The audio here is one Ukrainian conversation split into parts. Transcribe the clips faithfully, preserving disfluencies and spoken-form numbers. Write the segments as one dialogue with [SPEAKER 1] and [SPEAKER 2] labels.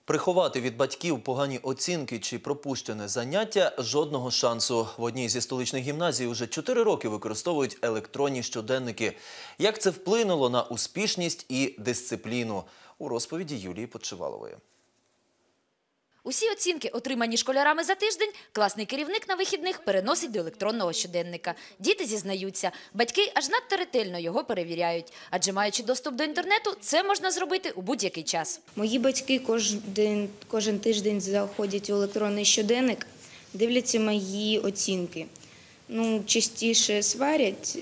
[SPEAKER 1] Приховати від батьків погані оцінки чи пропущене заняття – жодного шансу. В одній зі столичних гімназій уже чотири роки використовують електронні щоденники. Як це вплинуло на успішність і дисципліну? У розповіді Юлії Подшивалової.
[SPEAKER 2] Усі оцінки, отримані школярами за тиждень, класний керівник на вихідних переносить до електронного щоденника. Діти зізнаються, батьки аж надто ретельно його перевіряють. Адже маючи доступ до інтернету, це можна зробити у будь-який час.
[SPEAKER 3] Мої батьки кожен, кожен тиждень заходять у електронний щоденник, дивляться мої оцінки. Ну, частіше сварять,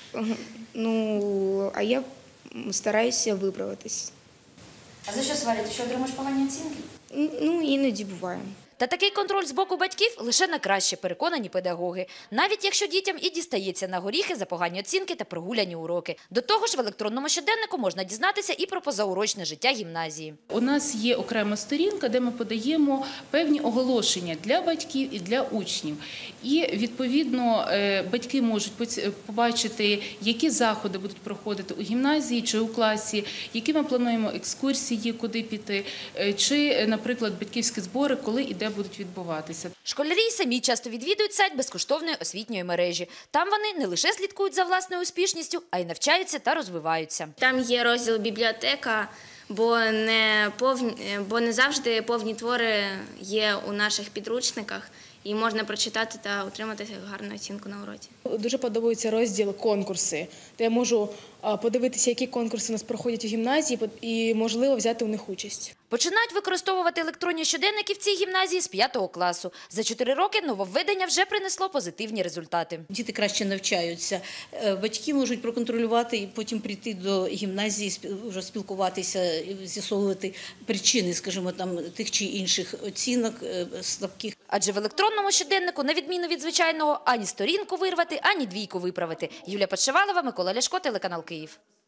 [SPEAKER 3] ну, а я стараюся виправитись.
[SPEAKER 2] А за що сварять? Що отримуєш погані оцінки?
[SPEAKER 3] Ну, іноді буває.
[SPEAKER 2] Та такий контроль з боку батьків лише на краще, переконані педагоги. Навіть якщо дітям і дістається на горіхи за погані оцінки та прогуляні уроки. До того ж, в електронному щоденнику можна дізнатися і про позаурочне життя гімназії.
[SPEAKER 4] У нас є окрема сторінка, де ми подаємо певні оголошення для батьків і для учнів. І, відповідно, батьки можуть побачити, які заходи будуть проходити у гімназії чи у класі, які ми плануємо екскурсії, куди піти, чи, наприклад, батьківські збори, коли і де будуть відбуватися.
[SPEAKER 2] Школярі самі часто відвідують сайт безкоштовної освітньої мережі. Там вони не лише слідкують за власною успішністю, а й навчаються та розвиваються.
[SPEAKER 5] Там є розділ «Бібліотека», бо не, повні, бо не завжди повні твори є у наших підручниках. І можна прочитати та отримати гарну оцінку на уроці.
[SPEAKER 6] Дуже подобається розділ «Конкурси», де я можу подивитися, які конкурси у нас проходять у гімназії і, можливо, взяти у них участь.
[SPEAKER 2] Починають використовувати електронні щоденники в цій гімназії з п'ятого класу. За чотири роки нововведення вже принесло позитивні результати.
[SPEAKER 7] Діти краще навчаються. Батьки можуть проконтролювати і потім прийти до гімназії, вже спілкуватися, з'ясовувати причини, скажімо, там, тих чи інших оцінок слабких.
[SPEAKER 2] Адже в електронному щоденнику, на відміну від звичайного, ані сторінку вирвати, ані двійку виправити. Юлія Подшивалова, Микола Ляшко, телеканал Київ.